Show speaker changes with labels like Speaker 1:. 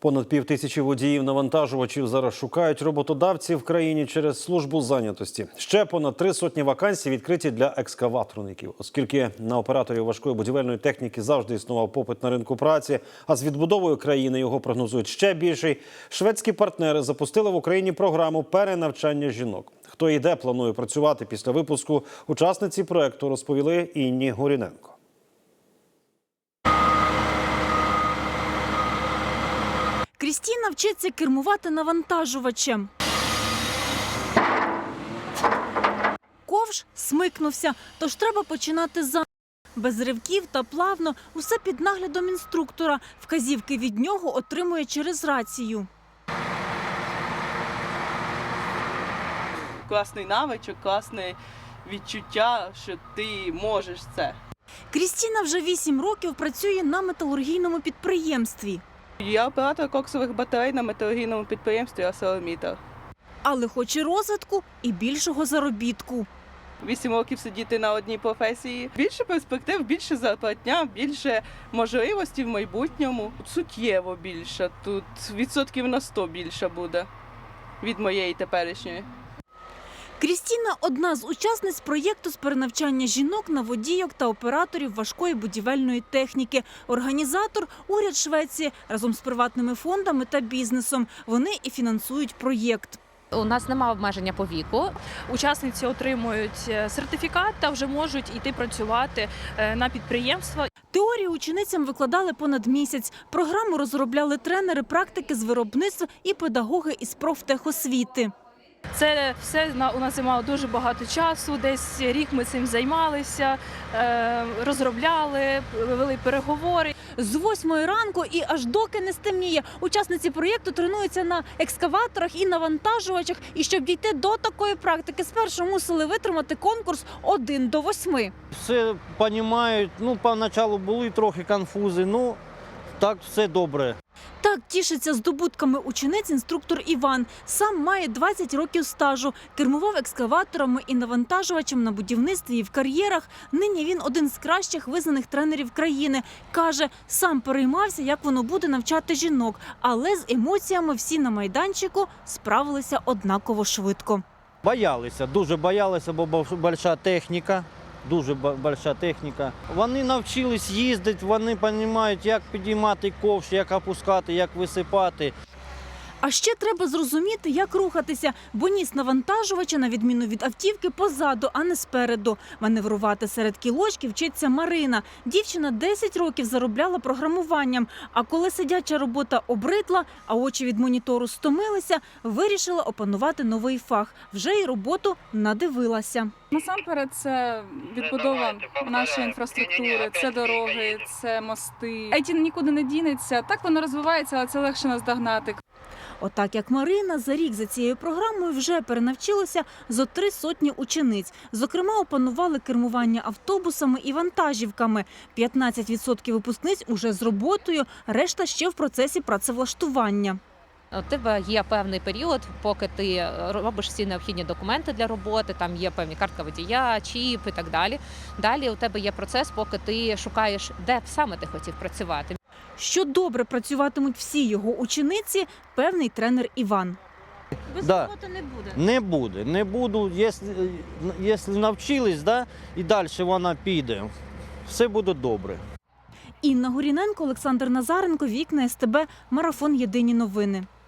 Speaker 1: Понад 5000 водіїв-навантажувачів зараз шукають роботодавців в країні через службу зайнятості. Ще понад 3 сотні вакансій відкриті для екскаваторників. Оскільки на операторів важкої будівельної техніки завжди існував попит на ринку праці, а з відбудовою країни його прогнозують ще більший, шведські партнери запустили в Україні програму перенавчання жінок. Хто і де планує працювати після випуску, учасниці проєкту розповіли Інні Горіненко.
Speaker 2: Крістіна вчиться кермувати навантажувачем. Ковш смикнувся, тож треба починати заново. Без ривків та плавно, усе під наглядом інструктора. Вказівки від нього отримує через рацію.
Speaker 3: Класний навичок, класне відчуття, що ти можеш це.
Speaker 2: Крістіна вже 8 років працює на металургійному підприємстві.
Speaker 3: Я оператор коксових батарей на металургійному підприємстві «ArcelorMittal».
Speaker 2: Але хоче розвитку і більшого заробітку.
Speaker 3: 8 років сидіти на одній професії. Більше перспектив, більше зарплатня, більше можливостей в майбутньому. Суттєво більше. Тут відсотків на 100 більше буде від моєї теперішньої.
Speaker 2: Крістіна – одна з учасниць проєкту з перенавчання жінок на водійок та операторів важкої будівельної техніки. Організатор – уряд Швеції разом з приватними фондами та бізнесом. Вони і фінансують проєкт.
Speaker 4: У нас немає обмеження по віку.
Speaker 5: Учасниці отримують сертифікат та вже можуть йти працювати на підприємства.
Speaker 2: Теорію ученицям викладали понад місяць. Програму розробляли тренери практики з виробництва і педагоги із профтехосвіти.
Speaker 5: Це все у нас займало дуже багато часу, десь рік ми цим займалися, розробляли, вели переговори.
Speaker 2: З 8 ранку і аж доки не стемніє. Учасниці проєкту тренуються на екскаваторах і навантажувачах. І щоб дійти до такої практики, спершу мусили витримати конкурс 1 до 8.
Speaker 6: Все розуміють, поначалу були трохи конфузи, так все добре.
Speaker 2: Так тішиться здобутками учениць інструктор Іван. Сам має 20 років стажу. Кермував екскаваторами і навантажувачем на будівництві і в кар'єрах. Нині він один з кращих визнаних тренерів країни. Каже, сам переймався, як воно буде навчати жінок. Але з емоціями всі на майданчику справилися однаково швидко.
Speaker 6: Боялися, дуже боялися, бо велика техніка. Дуже велика техніка. Вони навчились їздити, вони розуміють, як підіймати ковш, як опускати, як висипати.
Speaker 2: А ще треба зрозуміти, як рухатися, бо ніс навантажувача, на відміну від автівки, позаду, а не спереду. Маневрувати серед кілочків вчиться Марина. Дівчина 10 років заробляла програмуванням, а коли сидяча робота обридла, а очі від монітору стомилися, вирішила опанувати новий фах. Вже й роботу надивилася.
Speaker 7: Насамперед, це відбудова нашої інфраструктури, це дороги, це мости. IT нікуди не дінеться. Так воно розвивається, але це легше наздогнати.
Speaker 2: Отак, як Марина, за рік за цією програмою вже перенавчилося зо 3 сотні учениць. Зокрема, опанували кермування автобусами і вантажівками. 15% випускниць уже з роботою, решта ще в процесі працевлаштування.
Speaker 4: У тебе є певний період, поки ти робиш всі необхідні документи для роботи, там є певні картка водія, чіп і так далі. Далі у тебе є процес, поки ти шукаєш, де саме ти хотів працювати.
Speaker 2: Що добре працюватимуть всі його учениці, певний тренер Іван.
Speaker 5: Без
Speaker 6: Да.
Speaker 5: роботи не буде.
Speaker 6: Не буду. Якщо навчились, і далі вона піде, все буде добре.
Speaker 2: Інна Горіненко, Олександр Назаренко, Вікна СТБ, Марафон. Єдині новини.